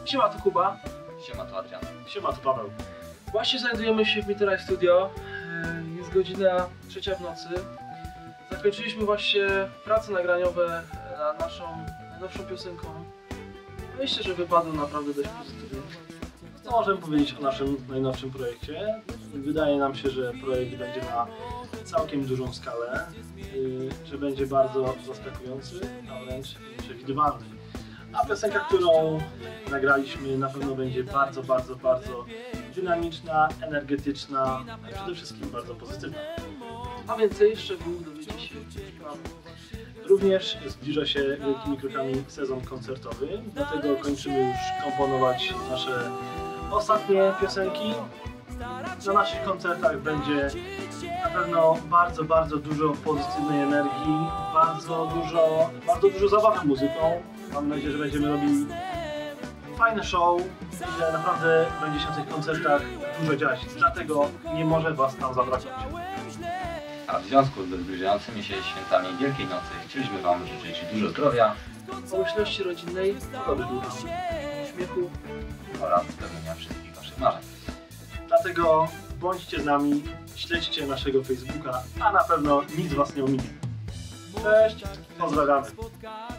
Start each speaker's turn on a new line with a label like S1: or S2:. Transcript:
S1: Siema, to Kuba.
S2: Siema, to Adrian.
S1: Siema, to Paweł. Właśnie znajdujemy się w Mitterrand Studio. Jest godzina 3 w nocy. Zakończyliśmy właśnie prace nagraniowe nad naszą najnowszą piosenką. Myślę, że wypadło naprawdę dość pozytywnie.
S3: Co możemy powiedzieć o naszym najnowszym projekcie? Wydaje nam się, że projekt będzie na całkiem dużą skalę, że będzie bardzo zaskakujący, a wręcz przewidywalny. A piosenka, którą nagraliśmy, na pewno będzie bardzo dynamiczna, energetyczna, a przede wszystkim bardzo pozytywna.
S1: A więcej szczegółów dowiecie się niebawem.
S3: Również zbliża się wielkimi krokami sezon koncertowy, dlatego kończymy już komponować nasze ostatnie piosenki. Na naszych koncertach będzie na pewno bardzo dużo pozytywnej energii, bardzo dużo zabawy muzyką. Mam nadzieję, że będziemy robili fajne show i że naprawdę będzie się na tych koncertach dużo dziać. Dlatego nie może Was tam zabraknąć.
S2: A w związku z zbliżającymi się świętami Wielkiej Nocy chcieliśmy Wam życzyć dużo zdrowia,
S1: Pomyślności rodzinnej, pogody ducha, uśmiechu.
S2: oraz spełnienia wszystkich Waszych marzeń.
S3: Dlatego bądźcie z nami, śledźcie naszego Facebooka, a na pewno nic Was nie ominie. Cześć, pozdrawiamy.